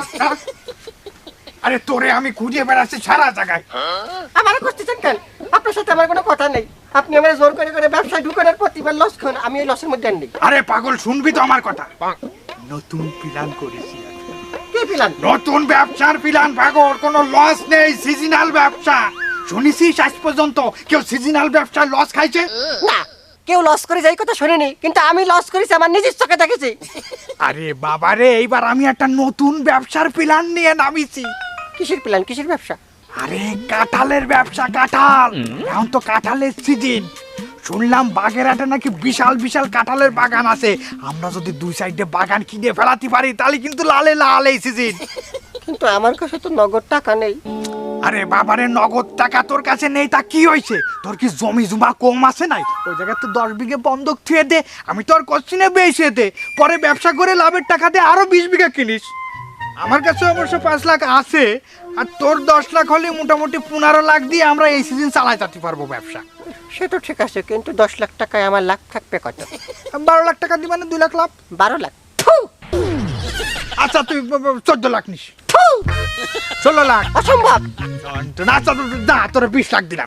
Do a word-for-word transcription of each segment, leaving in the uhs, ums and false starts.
রাস্তা। আরে তোরে আমি খুঁজে বেড়াচ্ছি সারা জায়গায়। আমার করতেছেন কেন? আপনার সাথে আমার কোনো কথা নেই। আপনি আমার জোর করে করে ব্যবসায় ঢুকানোর প্রতিবার লস খান, আমি এই লসের মধ্যে নেই। আরে পাগল, শুনবি তো আমার কথা। নতুন প্ল্যান করেছি। কি প্ল্যান? নতুন ব্যবসার প্ল্যান পাগল, কোনো লস নেই, সিজনাল ব্যবসা। শুনেছিস আজ পর্যন্ত কেউ সিজনাল ব্যবসায় লস খাইছে? না, কেউ লস করে যাই কথা শুনিনি, কিন্তু আমি লস করেছি, আমার নিজের চোখে দেখেছি। আরে বাবারে, এইবার আমি একটা নতুন ব্যবসার প্ল্যান নিয়ে নামিছি। কিসের প্ল্যান? কিসের ব্যবসা? আরে কাঁঠালের ব্যবসা। কাঁঠাল, এখন তো কাঁঠালের সিজন। শুনলাম বাগেরহাটে নাকি বিশাল বিশাল কাঁঠালের বাগান আছে। আমরা যদি দুই সাইডে বাগান কিনে ফেলাতে পারি তাহলে কিন্তু লালে লাল এই সিজন। কিন্তু আমার কাছে তো নগদ টাকা নেই। আরে বাবারে, নগদ টাকা তোর কাছে নেই তা কি হয়েছে? তোর কি জমি জমা কম আছে নাই? ওই জায়গায় তো দশ বিঘে বন্ধক থুয়ে দে, আমি তোর কোশ্চিনে বেশি দে, পরে ব্যবসা করে লাভের টাকা দিয়ে আরো বিশ বিঘা কিনিস। আমার কাছে অবশ্য পাঁচ লাখ আছে, আর তোর দশ লাখ হলে মোটামুটি পনেরো লাখ দিয়ে আমরা এই সিজন চালাই যেতে পারবো ব্যবসা। সে তো ঠিক আছে, কিন্তু দশ লাখ টাকায় আমার লাখ থাকবে কত? বারো লাখ টাকা দিবা না দুই লাখ লাভ? বারো লাখ। আচ্ছা তুই চোদ্দ লাখ নিস। ষোলো লাখ। অসম্ভব। আচ্ছা না, তোরা বিশ লাখ দিলাম।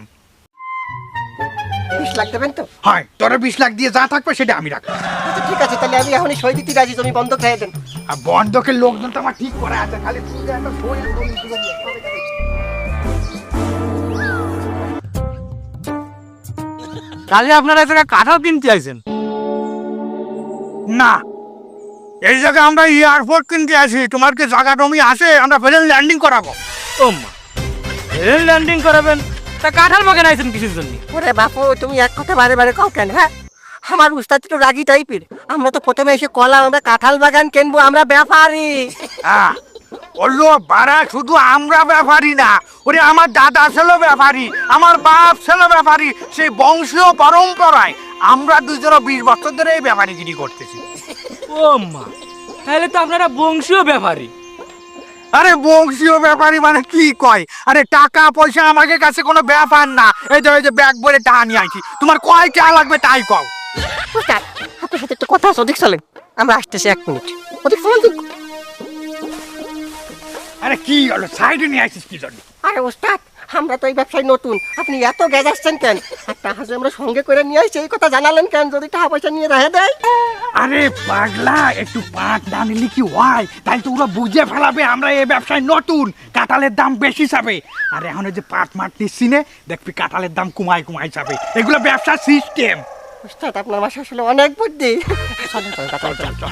বিশ লাখ দেবেন তো? হয়, তোরা বিশ লাখ দিয়ে যা থাকবে সেটা আমি রাখবো। আচ্ছা ঠিক আছে, তাহলে আমি এখনই সই দিতে রাজি, তুমি বন্ধ খেয়ে দেন। আর বন্ধকের লোকজন তো আমার ঠিক করে আছে, খালি তুই একটা সই করে দিতে হবে। কাজে আপনারা এই জায়গায় কাঁঠাল কিনতে আইছেন? না, এই জায়গায় আমরা এয়ারপোর্ট কিনতে আছি। তোমার কি জায়গা জমি আছে? আমরা প্লেন ল্যান্ডিং করাবো। ও মা, রেল ল্যান্ডিং করাবেন? তা কাঁঠাল বাগান আইছেন কিসের জন্য? ওরে বাপু, তুমি এক কথা বারে বারে কও কেন? হ্যাঁ, আমার উস্তাদ তো রাগি টাইপের। আমরা তো প্রথমে এসে কলা, আমরা কাঁঠাল বাগান কিনবো, আমরা ব্যাপারী। হ্যাঁ, বললো বাড়া, শুধু আমরা ব্যাপারী না, ওরে আমার দাদা ছিল ব্যাপারী, আমার বাপ ছিল ব্যাপারী, সেই বংশীয় পরম্পরায় আমরা দুজনে বিশ বছর ধরে এই ব্যাপারীগিরি করতেছি। ও মা, তাহলে তো আপনারা বংশীয় ব্যাপারী। আরে বংশীয় ব্যাপারী মানে কি কয়? আরে টাকা পয়সা আমাদের কাছে কোনো ব্যাপার না। এই যে, এই যে ব্যাগ ভরে টাকা নিয়ে আইছি, তোমার কয় টাকা লাগবে তাই কও। উস্তাদ, আপনার সাথে একটু কথা আছে, ওদিক চলেন, আমরা আসতেছি এক মিনিট। ওদিক চলেন তো। আরে কি হলো, সাইডে নিয়ে আইছিস কি জন্য? আরে উস্তাদ, আমরা তো এই ব্যবসায় নতুন, আপনি এত গেজাচ্ছেন কেন? আর টাকা যে আমরা সঙ্গে করে নিয়ে আসছি এই কথা জানালেন কেন? যদি টাকা পয়সা নিয়ে রেখে দেয়? আরে পাগলা, একটু পাট না নিলে কি হয়? তাই তো ওরা বুঝে ফেলাবে আমরা এই ব্যবসায় নতুন, কাঁঠালের দাম বেশি যাবে। আর এখন যে পাট মাট নিচ্ছি নে, দেখবি কাঁঠালের দাম কমাই কমাই যাবে। এগুলো ব্যবসার সিস্টেম। উস্তাদ, আপনার বাসা আসলে অনেক বুদ্ধি। চলেন চলেন, কথা বলতে হবে।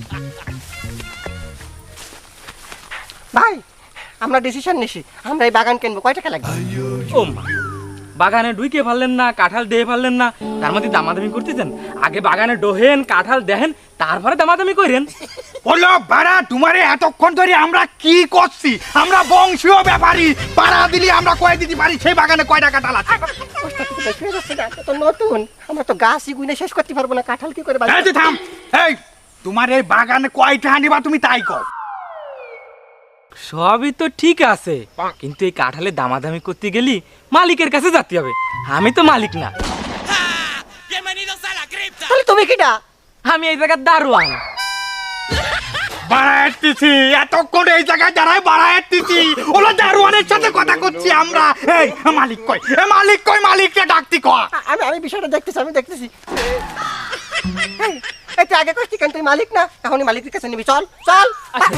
ভাই, আমরা ডিসিশন নিছি, আমরা এই বাগান কিনবো। কয় টাকা লাগবে? ও মা, বাগানে ঢুকে পারলেন না, কাঁঠাল দিয়ে পারলেন না, তার মধ্যে দামাদামি করতেছেন? আগে বাগানে ডোহেন, কাঁঠাল দেখেন, তারপরে দামাদামি করেন। বলো বাড়া, তোমারে এতক্ষণ ধরে আমরা কি করছি? আমরা বংশীয় ব্যাপারী, পাড়া দিলি আমরা কয় দিতে পারি সেই বাগানে কয়টা কাঁঠাল আছে। উস্তাদ, কিন্তু বেশি হয়ে যাচ্ছে না? এটা তো নতুন, আমরা তো গাছই গুনে শেষ করতে পারবো না, কাঁঠাল কি করে এই বাগান? যে থাম, এই তোমার এই বাগানে কয়টা নিবা তুমি তাই কও। সবই তো ঠিক আছে, কিন্তু এই কাঁঠালে দামাদামি করতে গেলি মালিকের কাছে যেতে হবে। আমি তো মালিক না। তাহলে তুমি কিটা? আমি এই জায়গার দারোয়ান। বাড়াইতেছি এতক্ষণ এই জায়গায় দাঁড়ায়, বাড়াইতেছি ওলা দারোয়ানের সাথে কথা করছি আমরা। এই মালিক কই, এ মালিক কই, মালিককে ডাকতি কয়। আমি আমি বিষয়টা দেখতেছি, আমি দেখতেছি। একটু আগে করছি কেন? তুই মালিক না, এখনই মালিকের কাছে নিবি। চল চল।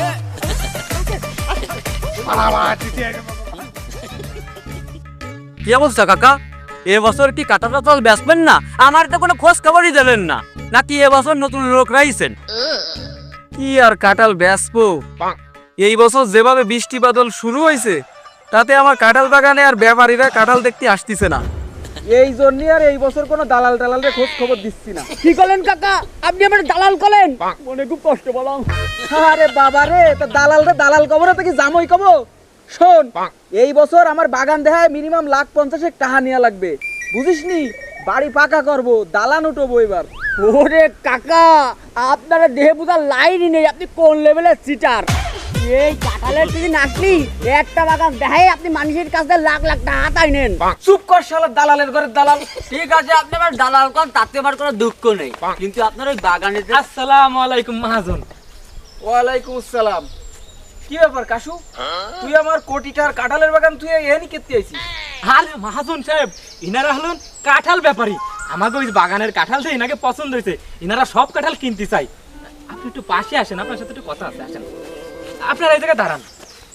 কি অবস্থা কাকা? এবছর কি কাঁঠাল টাঠাল বেচবেন না? আমার তো কোনো খোঁজ খবরই দিলেন না, নাকি এবছর নতুন লোক রাইছেন? কি আর কাঁঠাল বেচবো, এই বছর যেভাবে বৃষ্টি বাদল শুরু হয়েছে তাতে আমার কাঁঠাল বাগানে আর ব্যাপারীরা কাঁঠাল দেখতে আসতেছে না। এই জন্য আর এই বছর কোনো দালাল টালালের খোঁজ খবর দিচ্ছি না। কি করলেন কাকা, আপনি আমার দালাল করলেন? মনে খুব কষ্ট পেলাম। আরে বাবা রে, তা দালাল রে দালাল কবর তো কি জামই কব? শোন, এই বছর আমার বাগান দেখায় মিনিমাম লাখ পঞ্চাশেক টাকা নেওয়া লাগবে, বুঝিস নি? বাড়ি পাকা করবো, দালান উঠবো এবার। ওরে কাকা, আপনারা দেহে বুঝার লাইনই নেই, আপনি কোন লেভেলের চিটার। এই কাঁঠালের যদি নাকলি একটা বাগান দেখায় আপনি মানুষের কাছে লাখ লাখ টাকা হাতাই নেন। চুপ কর শালা দালালের ঘরের দালাল। ঠিক আছে, আপনি আমার দালাল কর, তাতে আমার কোনো দুঃখ নেই, কিন্তু আপনার ওই বাগানে। আসসালামু আলাইকুম মহাজন। ওয়ালাইকুম আসসালাম। কি ব্যাপার কাশু, তুই আমার কোটিটার কাঁঠালের বাগান তুই এখানে কেটে আইছিস? আরে মহাজন সাহেব, ইনারা হলেন কাঁঠাল ব্যাপারী। আমাকে ওই বাগানের কাঁঠাল থেকে ইনাকে পছন্দ হয়েছে, ইনারা সব কাঁঠাল কিনতে চাই। আপনি একটু পাশে আসেন, আপনার সাথে একটু কথা আছে, আসেন। আপনারা এই জায়গায় দাঁড়ান।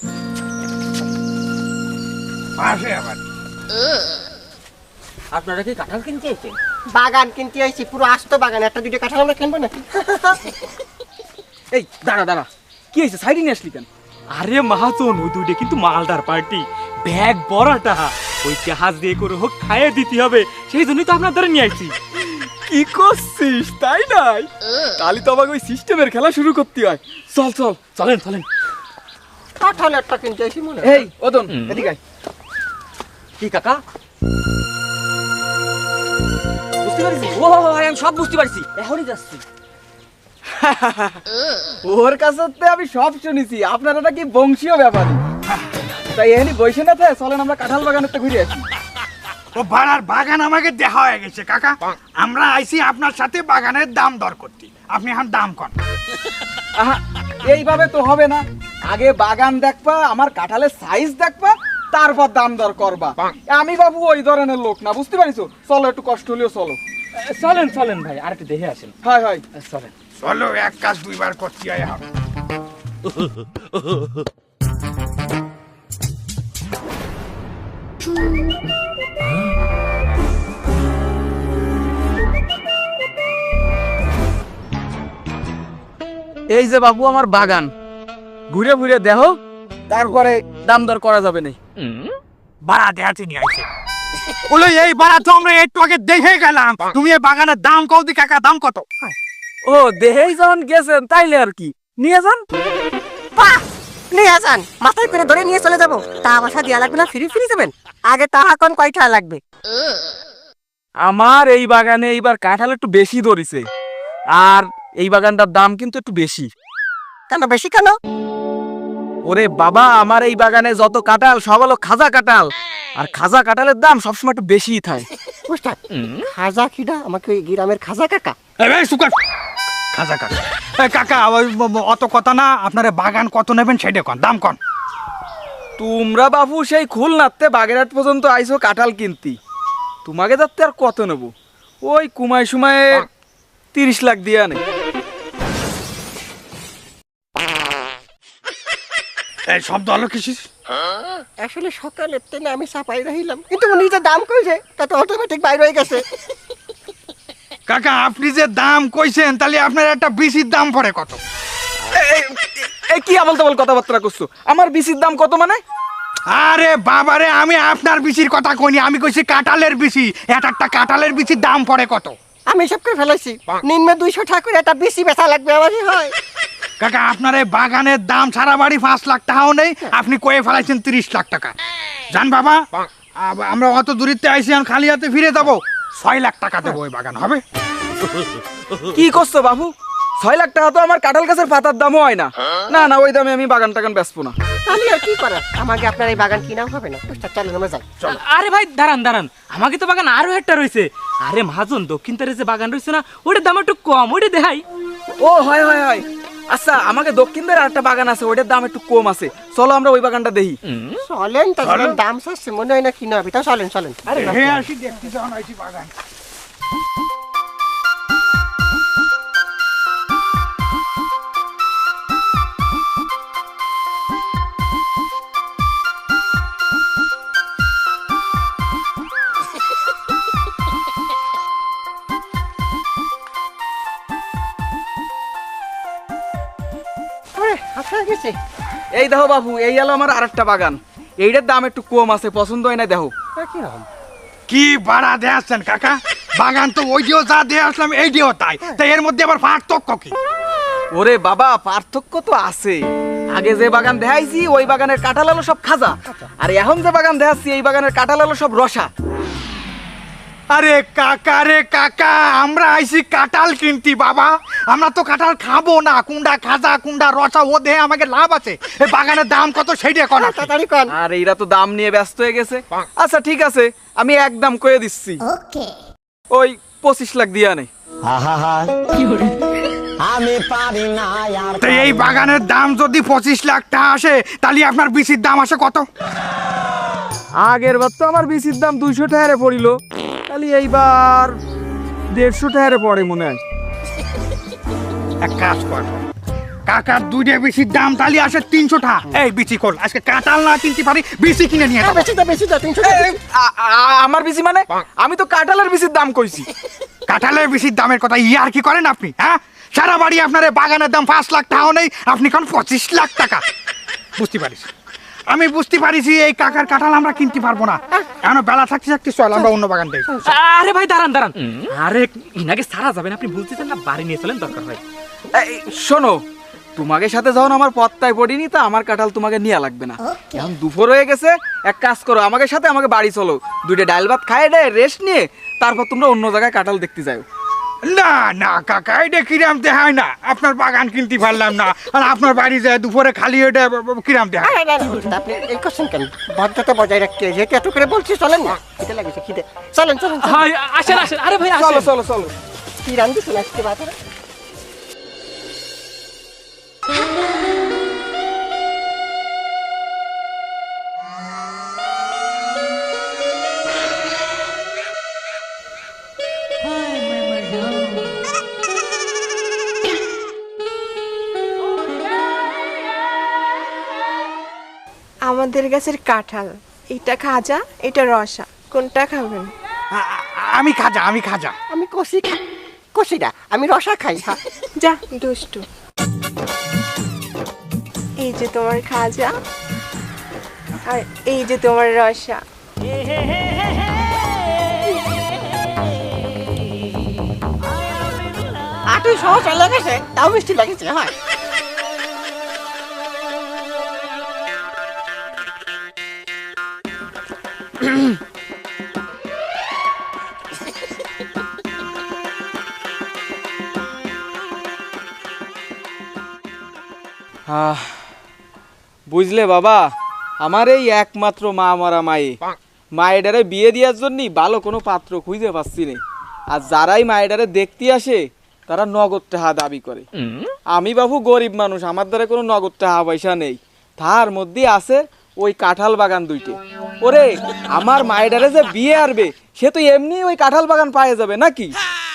পাশে আবার আপনারা কি কাঁঠাল কিনতে এসেছেন? বাগান কিনতে আইছি, পুরো আস্ত বাগান, একটা দুটো কাঁঠাল আমরা কিনবো নাকি? এই দাঁড়া দাঁড়া, কি হয়েছে, সাইডে নিয়ে আসলি কেন? আরে মহাজন, ওই দুইটা কিন্তু মালদার পার্টি, ব্যাগ বড়টা, ওই জাহাজ দিয়ে করে হোক খাইয়ে দিতে হবে, সেই জন্যই তো আপনার ধরে নিয়ে আসছি। কি করছিস তাই নাই? তাহলে তো আমাকে ওই সিস্টেমের খেলা শুরু করতে হয়। চল চল চলেন চলেন। কাঁঠাল একটা কিনতে আইছি মনে হয়। এই ওদন এদিকে আয়। কি কাকা? বুঝতে পারছিস? ও আমি সব বুঝতে পারছি, এখনই যাচ্ছি। ওর কাছে আমি সব শুনেছি, আপনারা নাকি বংশীয় ব্যাপারী। তাই এখানে বসে না থাকে, চলেন আমরা কাঁঠাল বাগানেরটা ঘুরে আসি। ও বাড়ার বাগান আমাকে দেখা হয়ে গেছে কাকা। আমরা আইছি আপনার সাথে বাগানের দাম দর করতে। আপনি এখন দাম কন। আহা, এইভাবে তো হবে না। আগে বাগান দেখবা, আমার কাঁঠালের সাইজ দেখবা, তারপর দাম দর করবা। আমি বাবু ওই ধরনের লোক না, বুঝতে পারিছো? চলো একটু কষ্ট হলেও চলো। চলেন চলেন ভাই, আর একটু দেখে আসেন। হয় হয় চলেন। চলো এক কাজ দুইবার করতে হয় এখন। এই যে বাবু আমার বাগান, ঘুরে ঘুরে দেখো, তারপরে দাম দর করা যাবে না। বাড়া দেখাতে নিয়ে আইছে। বলো এই বাড়া তো আমরা একটু আগে দেখে গেলাম। তুমি এই বাগানের দাম কও দি কাকা, দাম কত? ও দেহেই যখন গেছেন তাইলে আর কি, নিয়ে যান। বাহ, নিয়ে যান, মাথায় করে ধরে নিয়ে চলে যাবো। তা পয়সা দেওয়া লাগবে না, ফ্রি ফ্রি দেবেন? আগে টাকা কোন কয়টা লাগবে? আমার এই বাগানে এইবার কাঁঠাল একটু বেশি ধরেছে, আর এই বাগানটার দাম কিন্তু একটু বেশি। কেন বেশি কেন? ওরে বাবা, আমার এই বাগানে যত কাঁঠাল সব হলো খাজা কাঁঠাল, আর খাজা কাঁঠালের দাম সবসময় একটু বেশিই থাকে। বুঝলেন, খাজা কিডা আমাকে ওই গ্রামের খাজা কাকা। এই ভাই সুকার খাজা কাকা। এই কাকা ওই অত কথা না, আপনারা বাগান কত নেবেন সেটা কন, দাম কন। তোমরা বাবু সেই খুলনাতে বাগেরহাট পর্যন্ত আইসো কাঁঠাল কিনতি, তোমাকে যাতে আর কত নেব? ওই কুমায় সুমায় তিরিশ লাখ দিয়ে আনে। এই শব্দ হলো কিছু? আসলে সকালের ট্রেনে আমি চাপাই রহিলাম, কিন্তু উনি যে দাম কইছে তা তো অটোমেটিক বাইর হয়ে গেছে। কাকা আপনি যে দাম কইছেন, তাহলে আপনার একটা বিসির দাম পড়ে কত? এই কি আবল তাবল কথাবার্তা করছো? আমার বিসির দাম কত মানে? আরে বাবারে, আমি আপনার বিচির কথা কইনি, আমি কইছি কাঁঠালের বিচি। এক একটা কাঁঠালের বিচির দাম পড়ে কত? আমি সব করে ফেলাইছি, নিম্নে দুইশো টাকা করে একটা বেশি বেচা লাগবে আমারই হয়। কাকা আপনার এই বাগানের দাম সারা বাড়ি পাঁচ লাখ টাকাও নেই, আপনি কয়ে ফেলাইছেন তিরিশ লাখ টাকা। জান বাবা, আব- আমরা অত দূরিতে আইসি, এখন খালি হাতে ফিরে যাবো। ছয় লাখ টাকা দেবো, ওই বাগান হবে? কি করছো বাবু? ছয় লাখ টাকা তো আমার কাঁঠাল গাছের পাতার দামও হয় না। না না, ওই দামে আমি বাগান টাগান বেচবো না। তাহলে আর কি করার, আমাকে আপনার এই বাগান কিনাও হবে না। বুঝতে চলেন আমরা যাই। আরে ভাই দাঁড়ান দাঁড়ান, আমাকে তো বাগান আরো একটা রয়েছে। আরে মহাজন, দক্ষিণ তারে যে বাগান রয়েছে না, ওটার দাম একটু কম, ওটা দেখাই। ও হয় হয় হয়, আচ্ছা আমাকে দক্ষিণ দিকে আরেকটা বাগান আছে, ওটার দাম একটু কম আছে, চলো আমরা ওই বাগানটা দেখি। চলেন, তা দাম চাচ্ছে মনে হয় না কিনা হবে, তা চলেন চলেন। আরে হ্যাঁ আসি, দেখতে যখন আইসি বাগান। আচ্ছা গেছে। এই দেখো বাবু, এই হলো আমার আরেকটা বাগান, এইটার দাম একটু কম আছে, পছন্দ হয় না দেখো। কিরকম? কি ভাড়া দিয়ে আসছেন কাকা? বাগান তো ওই দিয়েও যা দিয়ে আসলাম, এই দিয়েও তাই, তাই এর মধ্যে আবার পার্থক্য কি? ওরে বাবা, পার্থক্য তো আছে। আগে যে বাগান দেখাইছি ওই বাগানের কাঁঠাল হলো সব খাজা, আর এখন যে বাগান দেখাচ্ছি এই বাগানের কাঁঠাল হলো সব রসা। আরে কাকা রে কাকা, আমরা আইছি কাঁঠাল কিনতি বাবা, আমরা তো কাঁঠাল খাবো না। কুন্ডা খাজা কুন্ডা রসা, ও দেহে আমাকে লাভ আছে। এই বাগানের দাম কত সেইটা কোন? তাড়াতাড়ি কোন। আর এইরা তো দাম নিয়ে ব্যস্ত হয়ে গেছে। আচ্ছা ঠিক আছে, আমি একদম কয়ে দিচ্ছি, ওই পঁচিশ লাখ দিয়ে আনে। তো এই বাগানের দাম যদি পঁচিশ লাখ টাকা আসে তাহলে আপনার বিচির দাম আসে কত? আগের বার তো আমার বিচির দাম দুইশো টাকারে পড়িল, তাহলে এইবার দেড়শো টাকারে পড়ে মনে হয়। এক কাজ কর, কাকার দুইটা বিচির দাম তাহলে আসে তিনশো টাকা। এই বিচি কল, আজকে কাঁঠাল না কিনতে পারি, বিচি কিনে নিয়ে যাবো। বেশি দাও বেশি দাও তিনশো আমার বিচি মানে? আমি তো কাঁঠালের বিচির দাম কইছি। কাঁঠালের বিচির দামের কথা ইয়ার কি করেন আপনি? হ্যাঁ, সারা বাড়ি আপনার এই বাগানের দাম পাঁচ লাখ টাকাও নেই, আপনি কোন পঁচিশ লাখ টাকা? বুঝতে পারিস, আমি বুঝতে পারিছি এই কাকার কাঁঠাল আমরা কিনতে পারবো না। এখন বেলা থাকতে থাকতে চল আমরা অন্য বাগান দেই। আরে ভাই দাঁড়ান দাঁড়ান, আরে ইনাকে সারা যাবেন, আপনি বুঝতেছেন না, বাড়ি নিয়ে চলেন দরকার হয়। শোনো, তোমাকে সাথে যখন আমার পত্তায় পড়িনি তা আমার কাঁঠাল তোমাকে নিয়ে লাগবে না। এখন দুপুর হয়ে গেছে, এক কাজ করো, আমাকে সাথে আমাকে বাড়ি চলো, দুইটা ডাল ভাত খাই ডে রেস্ট নিয়ে তারপর তোমরা অন্য জায়গায় কাঁঠাল দেখতে যাও। না না কাকা, এটা কিরাম দেখায় না, আপনার বাগান কিনতে পারলাম না আর আপনার বাড়ি যায় দুপুরে খালি এটা কিরাম দেখায়। আপনি এই করছেন কেন? ভদ্রতা বজায় রাখতে যেহেতু এত করে বলছি, চলেন না, খিদে লাগেছে খিদে, চলেন চলেন চলেন। হাই, আসেন আসেন, আরে ভাই চলো আসেন। চলো চলো। কি রান্ধেছেন আজকে বাজারে? আমাদের গাছের কাঁঠাল, এটা খাজা, এটা রসা, কোনটা খাবেন? আ- আ- আমি খাজা, আমি খাজা। আমি কষি খাই, কষি না, আমি রসা খাই। হ্যাঁ যা দুষ্টু। এই যে তোমার খাজা আর এই যে তোমার রসা। আটু সহজ লেগেছে, তাও মিষ্টি লেগেছে। হয় আহ, বুঝলে বাবা, আমার এই একমাত্র মা মরা মায়ে মায়েডারে বিয়ে দেওয়ার জন্য ভালো কোনো পাত্র খুঁজে পাচ্ছি না। আর যারাই মায়েডারে দেখতে আসে তারা নগদ টাকা দাবি করে। আমি বাবু গরিব মানুষ, আমার দ্বারা কোনো নগদ টাকা পয়সা নেই, তার মধ্যে আছে ওই কাঁঠাল বাগান দুইটে। ওরে আমার মায়েডারে যে বিয়ে আরবে সে তো এমনি ওই কাঁঠাল বাগান পায়ে যাবে নাকি?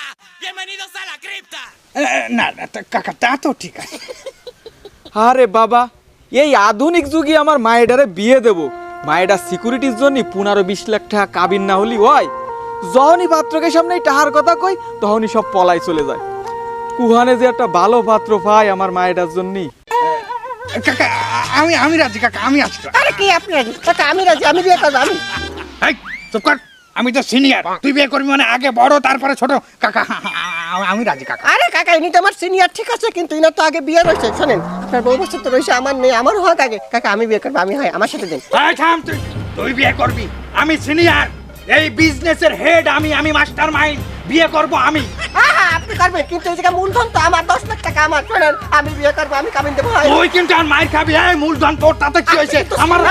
এ, না না তা কাকা, তা তো ঠিক আছে। আরে বাবা, এই আধুনিক যুগে আমার মায়েডারে বিয়ে দেব, মায়েডার সিকিউরিটির জন্য পনেরো বিশ লাখ টাকা কাবিন না হলি হয়। যখনই পাত্রকে সামনে টাহার কথা কই তখনই সব পলাই চলে যায়। কুহানে যে একটা ভালো পাত্র পাই আমার মায়েডার জন্য। কাকা আমি আমি রাজি, কাকা আমি আছি। আরে কি আপনি রাজি? কাকা আমি রাজি, আমি বিয়ে করবো। আমি এই চুপ কর, আমি তো সিনিয়র, তুই বিয়ে করবি মানে আগে বড় তারপরে ছোট। কাকা আমি রাজি কাকা। আরে কাকা, ইনি তো আমার সিনিয়র, ঠিক আছে, কিন্তু ইনার তো আগে বিয়ে রয়েছে। শোনেন, আপনার বউ বছর তো রয়েছে, আমার নেই, আমার হোক আগে। কাকা আমি বিয়ে করবো, আমি হয়, আমার সাথে দিন। এই থাম, তুই তুই বিয়ে করবি, আমি সিনিয়র, এই বিজনেসের হেড আমি, আমি মাস্টার মাইন্ড, বিয়ে করব আমি। হ্যাঁ হ্যাঁ আপনি করবেন, কিন্তু এই জায়গায় মূলধন তো আমার, দশ লাখ টাকা আমার। শোনেন, আমি বিয়ে করবো, আমি কাবিন দেবো। হয় তুই কিন্তু আর মাইর খাবি। এই মূলধন তোর, তাতে কি হয়েছে? আমার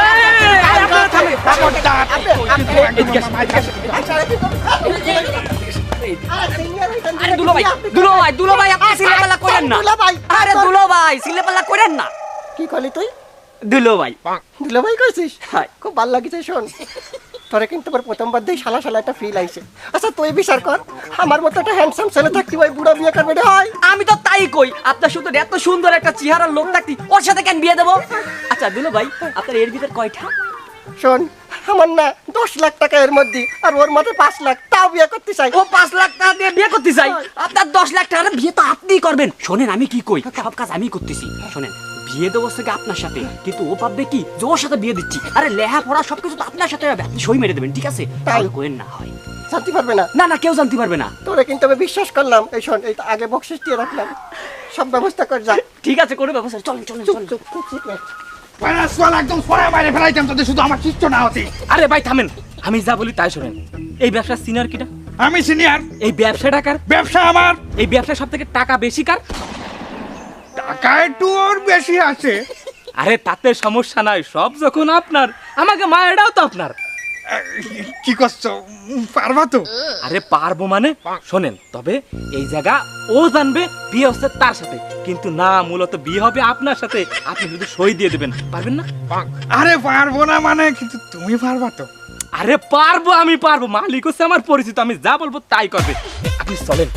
আরে দুলো ভাই, দুলো ভাই, দুলো ভাই, আপনি সিলেপালা করেন না। আরে দুলো ভাই, সিলেপালা করেন না। কি করলি তুই? দুলো ভাই, দিলো ভাই করছিস? খুব ভালো লাগছে। শোন, তোরে কিন্তু আমার প্রথমবার দিয়ে শালা শালা একটা ফিল আইছে। আচ্ছা তুই বিচার কর, আমার মতো একটা হ্যান্ডসাম ছেলে থাকতে ভাই বুড়া বিয়ে করবে রে? হয় আমি তো তাই কই, আপনার শুধু এত সুন্দর একটা চেহারার লোক থাকতি ওর সাথে কেন বিয়ে দেবো? আচ্ছা দুলো ভাই, আপনার এর ভিতর কয়টা? শোন, আমার না দশ লাখ টাকা এর মধ্যে, আর ওর মধ্যে পাঁচ লাখ, তাও বিয়ে করতে চাই। ও পাঁচ লাখ টাকা দিয়ে বিয়ে করতে চাই, আপনার দশ লাখ টাকার বিয়ে তো আপনিই করবেন। শোনেন আমি কি কই, সব কাজ আমি করতেছি। শোনেন, বিয়ে দেবো থেকে আপনার সাথে, কিন্তু ও ভাববে কি যে ওর সাথে বিয়ে দিচ্ছি। আরে লেহা পড়া সবকিছু তো আপনার সাথে হবে, আপনি সই মেরে দেবেন, ঠিক আছে? তাহলে কোয়েন না হয়, জানতে পারবে না। না না কেউ জানতে পারবে না। তোরে কিন্তু আমি বিশ্বাস করলাম। এই শোন, এই তো আগে বকশিস দিয়ে রাখলাম, সব ব্যবস্থা কর যা। ঠিক আছে, করে ব্যবস্থা। চলেন চলেন চুপ চলেন। চুপ চুপ চুপ রে। পড়াশোনা একদম সরে বাইরে ফেলাইতাম তোদের, শুধু আমার শিষ্য না হতি। আরে ভাই থামেন, আমি যা বলি তাই শোনেন। এই ব্যবসার সিনিয়র কিটা? আমি সিনিয়র। এই ব্যবসা টাকার ব্যবসা আমার। এই ব্যবসা সব থেকে টাকা বেশি কার? টাকা একটু ওর বেশি আছে। আরে তাতে সমস্যা নাই, সব যখন আপনার, আমাকে মায়েরাও তো আপনার। কি করছো, পারবা তো? আরে পারবো মানে শোনেন, তবে এই জায়গা ও জানবে বিয়ে হচ্ছে তার সাথে, কিন্তু না, মূলত বিয়ে হবে আপনার সাথে। আপনি শুধু সই দিয়ে দেবেন, পারবেন না? আরে পারবো না মানে, কিন্তু তুমি পারবা তো? আরে পারবো, আমি পারবো, মালিক হচ্ছে আমার পরিচিত, আমি যা বলবো তাই করবে। আপনি চলেন।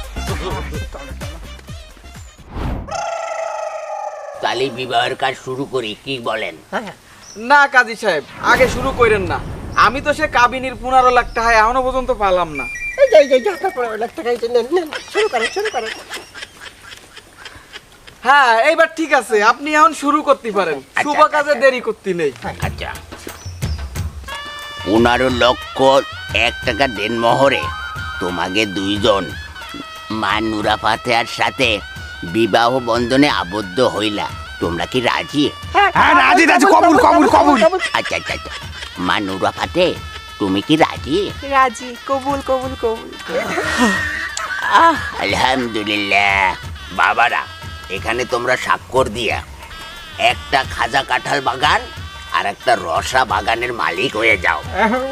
তাহলে বিবাহের কাজ শুরু করি, কি বলেন? না কাজী সাহেব, আগে শুরু করেন না। আমি তো সে কাবিনীর পনেরো লাখ টাকা এখনো পর্যন্ত পালাম না। এই যে এই যে, এই যে আপনার পনেরো লাখ টাকা এই যে নেন, নেন, শুরু করেন শুরু করেন। হ্যাঁ, এইবার ঠিক আছে, আপনি এখন শুরু করতে পারেন। শুভ কাজে দেরি করতে নেই। আচ্ছা, পনেরো লক্ষ এক টাকা দেন মোহরে তোমাকে দুইজন মা নুরা ফাতেহার সাথে বিবাহ বন্ধনে আবদ্ধ হইলা। তোমরা কি রাজি? হ্যাঁ রাজি রাজি, কবুল কবুল কবুল। আচ্ছা আচ্ছা আচ্ছা, মা নুরা ফাতে, তুমি কি রাজি? রাজি, কবুল কবুল কবুল। আলহামদুলিল্লাহ। বাবারা, এখানে তোমরা স্বাক্ষর দিয়া একটা খাজা কাঁঠাল বাগান আর একটা রসা বাগানের মালিক হয়ে যাও।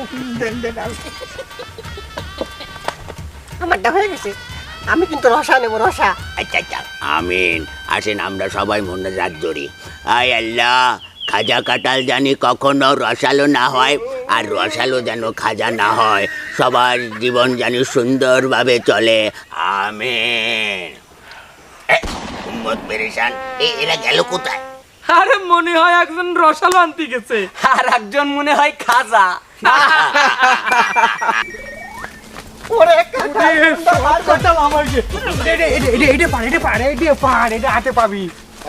আমারটা হয়ে গেছে, আমি কিন্তু রসা নেবো, রসা। আচ্ছা আচ্ছা, আমিন। আসেন আমরা সবাই মনে রাত ধরি। আয় আল্লাহ, খাজা কাঁঠাল জানি কখনো রসালো না হয়, আর রসালো যেন খাজা না হয়। সবার জীবন জানি সুন্দরভাবে চলে। আমিন। এ, উম্মত পেরেশান, এ- এরা গেল কোথায়? আরে মনে হয় একজন রসালো আনতে গেছে, আর একজন মনে হয় খাজা। ওরে কাঁঠাল, কাঁঠাল আমাকে। এটা এটা এটা এটা পার, এটা পার, এটা পার, এটা হাতে পাবি।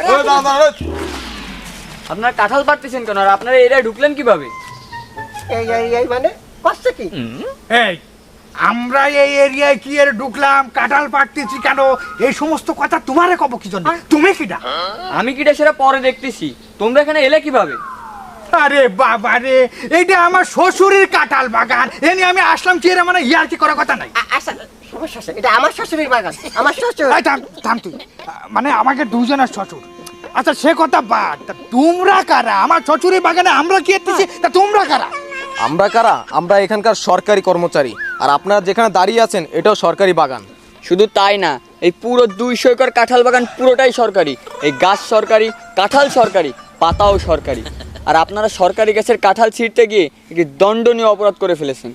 আপনারা কাঁঠাল পাড়তেছেন কেন, আর আপনারা এরিয়ায় ঢুকলেন কিভাবে? এই এই এই মানে কষ্ট কি? এই আমরা এই এরিয়ায় কি এর ঢুকলাম, কাঁঠাল পাড়তেছি কেন, এই সমস্ত কথা তোমারে কব কি জন্য? তুমি কিটা? আমি কিটা সেটা পরে দেখতেছি, তোমরা এখানে এলে কিভাবে? আরে বাবা রে, এইটা আমার শ্বশুরের কাঁঠাল বাগান, এ নিয়ে আমি আসলাম কি এর মানে ইয়ার কি করার কথা নাই। আ- আচ্ছা, সমস্যা আছে, এটা আমার শ্বশুরের বাগান, আমার শ্বশুর। এই থাম থাম তুই, মানে আমাকে দুজনের শ্বশুর। আচ্ছা সে কথা বাদ, তা তোমরা কারা? আমার শ্বশুরের বাগানে আমরা কি এসেছি, তা তোমরা কারা? আমরা কারা? আমরা এখানকার সরকারি কর্মচারী, আর আপনারা যেখানে দাঁড়িয়ে আছেন এটাও সরকারি বাগান। শুধু তাই না, এই পুরো দুইশো একর কাঁঠাল বাগান পুরোটাই সরকারি। এই গাছ সরকারি, কাঁঠাল সরকারি, পাতাও সরকারি। আর আপনারা সরকারি গাছের কাঁঠাল ছিঁড়তে গিয়ে একটি দণ্ডনীয় অপরাধ করে ফেলেছেন।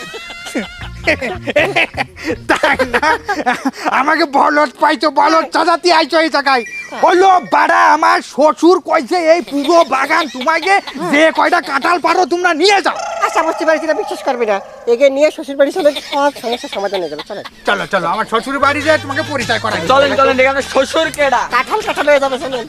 তাই না? আমাকে বলত পাইছো, বলত চাচাতি আইছো এই জায়গায়। হলো বাড়া, আমার শ্বশুর কইছে এই পুরো বাগান তোমাকে যে কয়টা কাঁঠাল পারো তোমরা নিয়ে যাও। আচ্ছা বুঝতে পারছি না, বিশ্বাস করবি না, এগে নিয়ে শ্বশুর বাড়ি চলে, সব সমস্যার সমাধান হয়ে যাবে। চলে চলো চলো, আমার শ্বশুর বাড়ি যে তোমাকে পরিচয় করাই। চলেন চলেন, এখানে শ্বশুর কেডা? কাঁঠাল কাঁঠাল হয়ে যাবে, চলেন।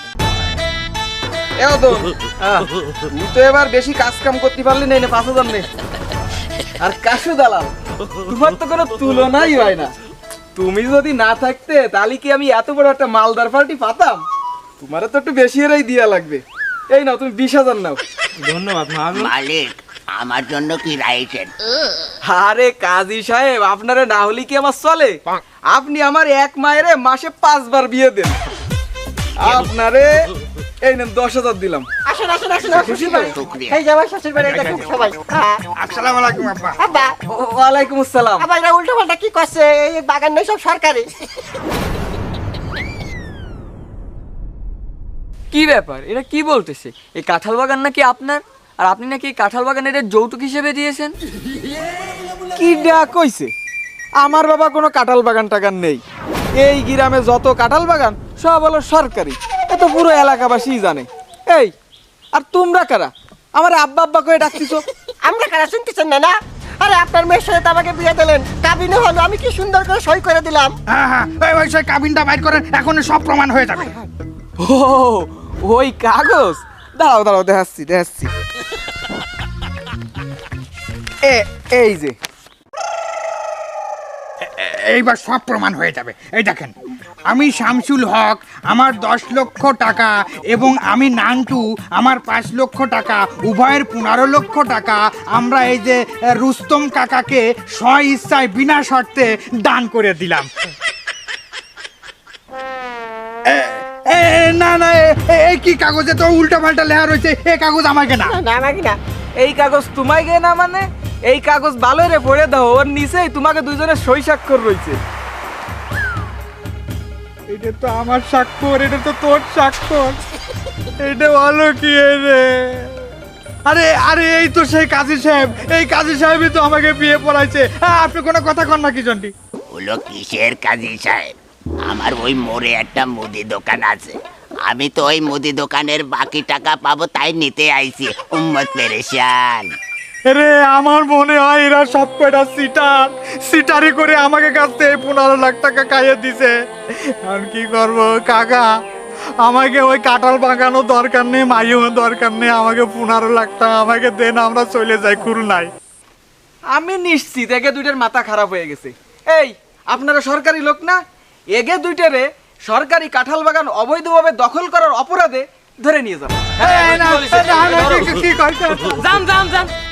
এও তো তুই তো এবার বেশি কাজ কাম করতে পারলি না, পাঁচ হাজার নে। আর কাশু দালাল, তোমার তো কোনো তুলনাই হয় না। তুমি যদি না থাকতে তাহলে কি আমি এত বড় একটা মালদার পার্টি পাতাম? তোমারও তো একটু বেশি এরাই দিয়া লাগবে। এই নাও, তুমি বিশ হাজার নাও। ধন্যবাদ মা। মালিক, আমার জন্য কি রাইছেন? আরে কাজী সাহেব, আপনারে না হলে কি আমার চলে? আপনি আমার এক মায়েরে মাসে পাঁচবার বিয়ে দেন। আপনারে এই নেন দশ হাজার দিলাম। আসেন আসেন আসেন, আমার শ্বশুর বাড়ি। এই যে আমার শ্বশুর বাড়ি, এটা খুব সবাই। হ্যাঁ। আসসালামু আলাইকুম আব্বা। আব্বা, ওয়ালাইকুম আসসালাম। আবার এরা উল্টো পাল্টা কি করছে? এই বাগান নয়, সব সরকারি। কি ব্যাপার, এটা কি বলতেছে? এই কাঁঠাল বাগান নাকি আপনার, আর আপনি নাকি এই কাঁঠাল বাগান এটা যৌতুক হিসেবে দিয়েছেন? কি ডা কইছে? আমার বাবা কোনো কাঁঠাল বাগান টাগান নেই। এই গ্রামে যত কাঁঠাল বাগান সব হলো সরকারি, এ তো পুরো এলাকাবাসী জানে। এই, আর তোমরা কারা? আমার আব্বা আব্বা করে ডাকতিছো? আমরা কারা শুনতেছেন না? না, আরে আপনার মেয়ের সাথে তো আমাকে বিয়ে দিলেন, কাবিনও হলো, আমি কি সুন্দর করে সই করে দিলাম। হ্যাঁ হ্যাঁ, ওই ওই সেই কাবিনটা বাইর করেন, এখন সব প্রমাণ হয়ে যাবে। ও, ওই কাগজ? দাঁড়াও দাঁড়াও, দেখাচ্ছি দেখাচ্ছি। এ এই যে, এইবার সব প্রমাণ হয়ে যাবে। এই দেখেন, আমি শামসুল হক, আমার দশ লক্ষ টাকা, এবং আমি নান্টু, আমার পাঁচ লক্ষ টাকা, উভয়ের পনেরো লক্ষ টাকা আমরা এই যে আহ, রুস্তম কাকাকে স্ব ইচ্ছায় বিনা শর্তে দান করে দিলাম। এ- এ- না না, এ- এ- এই কি কাগজে তো উল্টা পাল্টা লেখা রয়েছে, এ কাগজ আমাকে না। না, না আমাকে না, এই কাগজ তোমায় গে না মানে এই কাগজ ভালো রে পড়ে দাও, ওর নিচেই তোমাকে দুইজনের সই স্বাক্ষর রয়েছে। এটা তো আমার স্বাক্ষর, এটা তো তোর স্বাক্ষর, এটা ভালো কি রে? আরে আরে এই তো সেই কাজী সাহেব, এই কাজী সাহেবই তো আমাকে বিয়ে পড়াইছে। হ্যাঁ, আপনি কোনো কথা কন না কি জন্টি? হলো কিসের কাজী সাহেব? আমার ওই মোড়ে একটা মুদি দোকান আছে, আমি তো ওই মুদি দোকানের বাকি টাকা পাবো তাই নিতে আইছি। উম্মত পেরেশান। রে আমার মনে হয় এরা সব কয়টা সিটার, সিটারি করে আমাকে কাছ থেকে পনেরো লাখ টাকা খাইয়ে দিছে। আর কি করব কাকা, আমাকে ওই কাঁঠাল বাগানো দরকার নেই, মাইও দরকার নেই, আমাকে পনেরো লাখ টাকা আমাকে দেন, আমরা চলে যাই খুলনায়। আমি নিশ্চিত এগে দুইটার মাথা খারাপ হয়ে গেছে। এই আপনারা সরকারি লোক না? এগে দুইটারে সরকারি কাঁঠাল বাগান অবৈধভাবে দখল করার অপরাধে ধরে নিয়ে যাবো। এই না, না, না, কি- কি- কি কইছে? যান যান যান